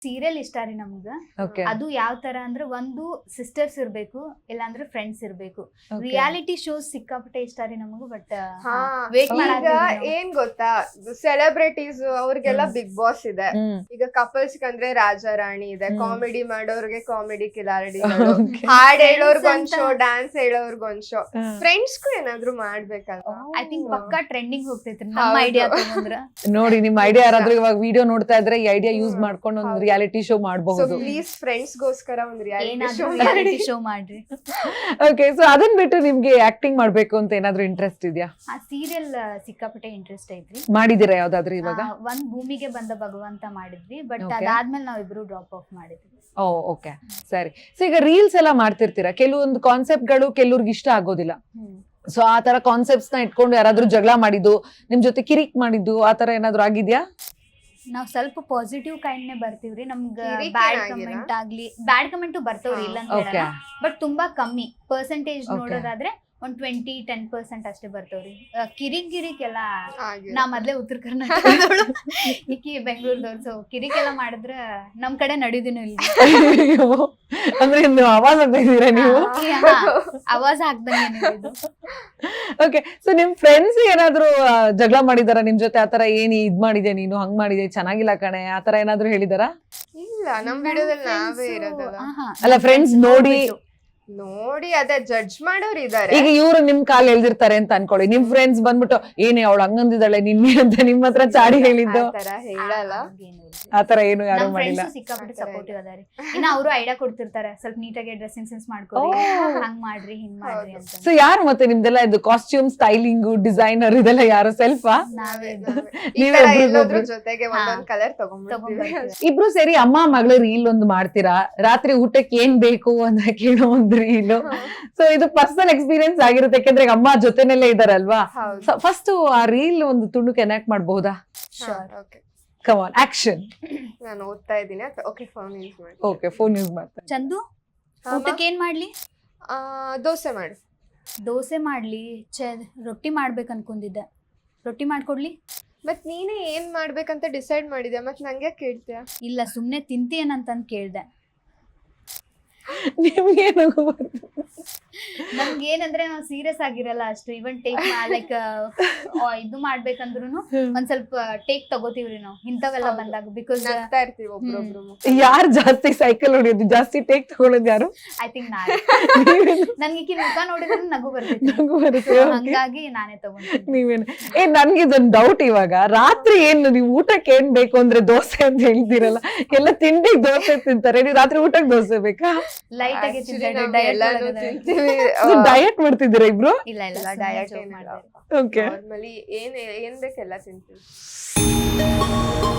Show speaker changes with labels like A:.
A: Serial ಇಷ್ಟ ರೀ ನಮ್ಗ. ಅದು ಯಾವ ತರ ಅಂದ್ರೆ ಒಂದು ಸಿಸ್ಟರ್ಸ್ ಇರ್ಬೇಕು, ಇಲ್ಲಾಂದ್ರೆ ಫ್ರೆಂಡ್ಸ್ ಇರ್ಬೇಕು. ರಿಯಾಲಿಟಿ ಶೋಸ್ ಸಿಕ್ಕಾಪಟ್ಟೆ ಇಷ್ಟ ರೀ ನಮಗೂ. ಬಟ್
B: ಏನ್ ಗೊತ್ತಾ, ಸೆಲೆಬ್ರಿಟೀಸ್ ಅವ್ರಿಗೆಲ್ಲ ಬಿಗ್ ಬಾಸ್ ಇದೆ. ಈಗ ಕಪಲ್ಸ್ ಅಂದ್ರೆ ರಾಜಾ ರಾಣಿ ಇದೆ, ಕಾಮಿಡಿ ಮಾಡೋರ್ಗೆ ಕಾಮಿಡಿ ಕಿಲಾಡಿಗಳು, ಹಾಡ್ ಹೇಳೋರ್ಗೊಂದ್ ಶೋ, ಡ್ಯಾನ್ಸ್ ಹೇಳೋರ್ಗೊಂದ್ ಶೋ. ಫ್ರೆಂಡ್ಸ್ಗೂ ಏನಾದ್ರು ಮಾಡ್ಬೇಕಲ್ವಾ?
A: ಐ ಥಿಂಕ್ ಪಕ್ಕಾ ಟ್ರೆಂಡಿಂಗ್ ಹೋಗ್ತೈತ್ರಿ ನಮ್ಮ ಐಡಿಯಾ ತಗೊಂಡ್ರ.
C: ನೋಡಿ ನಿಮ್ ಐಡಿಯಾ ಯಾರಾದ್ರೂ ಇವಾಗ ವಿಡಿಯೋ ನೋಡ್ತಾ ಇದ್ರೆ ಈ ಐಡಿಯಾ ಯೂಸ್ ಮಾಡ್ಕೊಂಡು ಒಂದು ರಿಯಾಲಿಟಿ ಶೋ ಮಾಡಬಹುದು.
B: ಪ್ಲೀಸ್ ಫ್ರೆಂಡ್ಸ್ ಗೋಸ್ಕರ ಒಂದು ರಿಯಾಲಿಟಿ
A: ಶೋ ಮಾಡ್ರಿ.
C: ಓಕೆ, ಸೊ ಅದನ್ನ ಬಿಟ್ಟು ನಿಮ್ಗೆ ಆಕ್ಟಿಂಗ್ ಮಾಡ್ಬೇಕು ಅಂತ ಏನಾದ್ರು ಇಂಟ್ರೆಸ್ಟ್ ಇದೆಯಾ?
A: ಸೀರಿಯಲ್ ಸಿಕ್ಕಾಪಟ್ಟೆ ಇಂಟ್ರೆಸ್ಟ್ ಐತ್ರಿ.
C: ಮಾಡಿದಿರಾ ಯಾವ್ದಾದ್ರು ಇವಾಗ?
A: ಒಂದ್ ಭೂಮಿಗೆ ಬಂದ ಭಗವಂತ ಮಾಡಿದ್ವಿ, ಬಟ್ ಅದಾದ್ಮೇಲೆ ನಾವಿಬ್ರು ಡ್ರಾಪ್ ಆಫ್ ಮಾಡಿದ್ವಿ.
C: ಓಕೆ, ಸರಿ. ಸೊ ಈಗ ರೀಲ್ಸ್ ಎಲ್ಲ ಮಾಡ್ತಿರ್ತೀರಾ, ಕೆಲವೊಂದು ಕಾನ್ಸೆಪ್ಟ್ ಗಳು ಕೆಲವ್ರಿಗೆ ಇಷ್ಟ ಆಗೋದಿಲ್ಲ. ಸೊ ಆ ತರ ಕಾನ್ಸೆಪ್ಟ್ಸ್ ನ ಇಟ್ಕೊಂಡು ಯಾರಾದ್ರೂ ಜಗಳ ಮಾಡಿದ್ದು, ನಿಮ್ ಜೊತೆ ಕಿರಿಕ್ ಮಾಡಿದ್ದು, ಆ ತರ ಏನಾದ್ರು ಆಗಿದ್ಯಾ?
A: ನಾವ್ ಸ್ವಲ್ಪ ಪಾಸಿಟಿವ್ ಕೈಂಡ್ನೆ ಬರ್ತೀವ್ರಿ. ನಮ್ಗ ಬ್ಯಾಡ್ ಕಮೆಂಟ್ ಆಗ್ಲಿ, ಬ್ಯಾಡ್ ಕಮೆಂಟ್ ಬರ್ತಾವ್ರಿ, ಇಲ್ಲ ಅಂತ ಹೇಳಲ್ಲ, ಬಟ್ ತುಂಬಾ ಕಮ್ಮಿ ಪರ್ಸೆಂಟೇಜ್ ನೋಡೋದಾದ್ರೆ ಒಂದ್ 20-10% ಅಷ್ಟೇ ಬರ್ತವ್ರಿ. ಕಿರಿಕ್ ಎಲ್ಲ ನಾ ಮೊದ್ಲೇ ಉತ್ತರ ಕರ್ನಾಟಕದವಳು, ಈಕಿ ಬೆಂಗಳೂರದವ್ರು. ಸೊ ಕಿರಿಕ್ ಎಲ್ಲ ಮಾಡಿದ್ರ ನಮ್ ಕಡೆ ನಡೆಯುದಿನೂ ಇಲ್ಲ.
C: ಅಂದ್ರೆ ಆವಾಜ್ ಆಗ್ತಾ ನೀವು?
A: ಆವಾಜ್ ಹಾಕ್ದಂಗೆ.
C: ಓಕೆ, ಸೊ ನಿಮ್ ಫ್ರೆಂಡ್ಸ್ ಏನಾದ್ರು ಜಗಳ ಮಾಡಿದಾರ ನಿಮ್ ಜೊತೆ? ಆತರ ಏನ್ ಇದ್ ಮಾಡಿದೆ ನೀನು, ಹಂಗ್ ಮಾಡಿದೆ, ಚೆನ್ನಾಗಿಲ್ಲ ಕಣೆ, ಆತರ ಏನಾದ್ರು ಹೇಳಿದಾರ?
B: ಇಲ್ಲ, ನಮ್ ವಿಡಿಯೋದಲ್ಲಿ ನಾವೇ ಇರೋದಲ್ಲ.
C: ಅಲ್ಲ, ಫ್ರೆಂಡ್ಸ್
B: ನೋಡಿ ಅದೇ ಜಡ್ಜ್ ಮಾಡೋರು ಇದಾರೆ.
C: ಈಗ ಇವ್ರು ನಿಮ್ ಕಾಲ್ ಎಳ್ದಿರ್ತಾರೆ ಅಂತ ಅನ್ಕೊಳ್ಳಿ, ನಿಮ್ ಫ್ರೆಂಡ್ಸ್ ಬಂದ್ಬಿಟ್ಟು ಏನೇ ಅವಳು ಹಂಗಂದಿದ್ದಾಳೆ ನಿನ್ನೆ ಅಂತ ನಿಮ್ ಹತ್ರ ಚಾಡಿ ಹೇಳಿದ್ದು,
B: ಹೇಳಲ್ಲ.
C: ಆತರ ಏನು ಯಾರು ಮಾಡಿಲ್ಲ.
A: ಸಿಕ್ಕಾಪಟ್ಟೆ ಸಪೋರ್ಟಿವ್ ಅದಾರಿ. ಇನ್ನ ಅವರು ಐಡಿಯಾ ಕೊಡ್ತಿರ್ತಾರೆ, ಸ್ವಲ್ಪ ನೀಟಾಗಿ ಡ್ರೆಸ್ಸಿಂಗ್ ಸೆನ್ಸ್ ಮಾಡ್ಕೊಳ್ಳಿ, ಹಂಗ್ ಮಾಡ್ರಿ, ಹಿಂಗ್ ಮಾಡ್ರಿ ಅಂತ.
C: ಸೊ ಯಾರು ಮತ್ತೆ ನಿಮ್ದೆಲ್ಲ ಇದು ಕಾಸ್ಟ್ಯೂಮ್ ಸ್ಟೈಲಿಂಗ್, ಡಿಸೈನರ್ ಇದೆಲ್ಲ ಯಾರು? ಸೆಲ್ಫಾ?
B: ಜೊತೆಗೆ ಒಂದೊಂದ್ ಕಲರ್ ತಗೊಂಡ್ಬಿಡ್ತೀವಿ.
C: ಇಬ್ರು ಸೇರಿ ಅಮ್ಮ ಮಗಳು ರೀಲ್ ಒಂದು ಮಾಡ್ತೀರಾ, ರಾತ್ರಿ ಊಟಕ್ಕೆ ಏನ್ ಬೇಕು ಅಂತ ಕೇಳೋ ಒಂದು ರೀಲ್. ಸೊ ಇದು ಪರ್ಸನಲ್ ಎಕ್ಸ್ಪೀರಿಯನ್ಸ್ ಆಗಿರುತ್ತೆ, ಯಾಕಂದ್ರೆ ಅಮ್ಮ ಜೊತೆನಲ್ಲೇ ಇದಾರಲ್ವಾ. ಫಸ್ಟ್ ಆ ರೀಲ್ ಒಂದು ತುಂಡು ಕನೆಕ್ಟ್ ಮಾಡಬಹುದಾ? Come on, action.
B: ನಾನು ಓದ್ತಾ ಇದ್ದೀನಿ. ಓಕೆ, ಫೋನ್ ಯೂಸ್ ಮಾಡಿ.
C: ಓಕೆ, ಫೋನ್ ಯೂಸ್ ಮಾಡ್ತಾರೆ.
A: ಚಂದು, ಊಟಕ್ಕೆ ಏನ್ ಮಾಡ್ಲಿ?
B: ದೋಸೆ ಮಾಡು.
A: ದೋಸೆ ಮಾಡ್ಲಿ, ರೊಟ್ಟಿ ಮಾಡ್ಬೇಕು ಅನ್ಕೊಂಡಿದ್ದೆ. ರೊಟ್ಟಿ ಮಾಡ್ಕೊಡ್ಲಿ?
B: ಮತ್ ನೀನೇ ಏನ್ ಮಾಡ್ಬೇಕಂತ ಡಿಸೈಡ್ ಮಾಡಿದ್ಯಾ, ಮತ್ ನಂಗೆ ಕೇಳ್ತೀಯ?
A: ಇಲ್ಲ, ಸುಮ್ನೆ ತಿಂತೀಯೇನಂತಂದ್ ಕೇಳ್ದೆ. ನಮ್ಗೆ ಏನಂದ್ರೆ ನಾವು ಸೀರಿಯಸ್ ಆಗಿರಲ್ಲ ಅಷ್ಟು. ಇವನ್ ಟೇಕ್ ಲೈಕ್ ಇದು ಮಾಡ್ಬೇಕಂದ್ರು ಒಂದ್ ಸ್ವಲ್ಪ ಟೇಕ್ ತಗೋತೀವ್ರಿ ನಾವು ಇಂಥವೆಲ್ಲ ಬಂದಾಗ. ಬಿಕಾಸ್
C: ಯಾರು ಜಾಸ್ತಿ ಸೈಕಲ್ ಹೊಡಿಯೋದು, ಜಾಸ್ತಿ ಟೇಕ್ ತಗೊಳ್ಳೋದು ಯಾರು?
A: ಐ ಥಿಂಕ್ ನನ್ಗೆ ಮುಖ ನೋಡಿದ್ರೆ ನಗು ಬರುತ್ತೆ, ಹಂಗಾಗಿ ನಾನೇ ತಗೊಂಡು.
C: ನೀವೇನು ನನ್ಗೆ ಇದೊಂದು ಡೌಟ್, ಇವಾಗ ರಾತ್ರಿ ಏನು ನೀವು ಊಟಕ್ಕೆ ಏನ್ ಬೇಕು ಅಂದ್ರೆ ದೋಸೆ ಅಂತ ಹೇಳ್ತೀರಲ್ಲ, ಎಲ್ಲ ತಿಂಡಿಗೆ ದೋಸೆ ತಿಂತಾರೆ, ನೀವು ರಾತ್ರಿ ಊಟಕ್ಕೆ ದೋಸೆ ಬೇಕಾ?
A: ಲೈಟ್ ಆಗಿ
C: ಡಯಟ್ ಮಾಡ್ತಿದ್ದೀರಾ ಇಬ್ರು?
A: ಇಲ್ಲ ಇಲ್ಲ, ಡಯಟ್
C: ಓಕೆ,
B: ಏನ್ ಬೇಕೆಲ್ಲ ತಿಂತೀವಿ.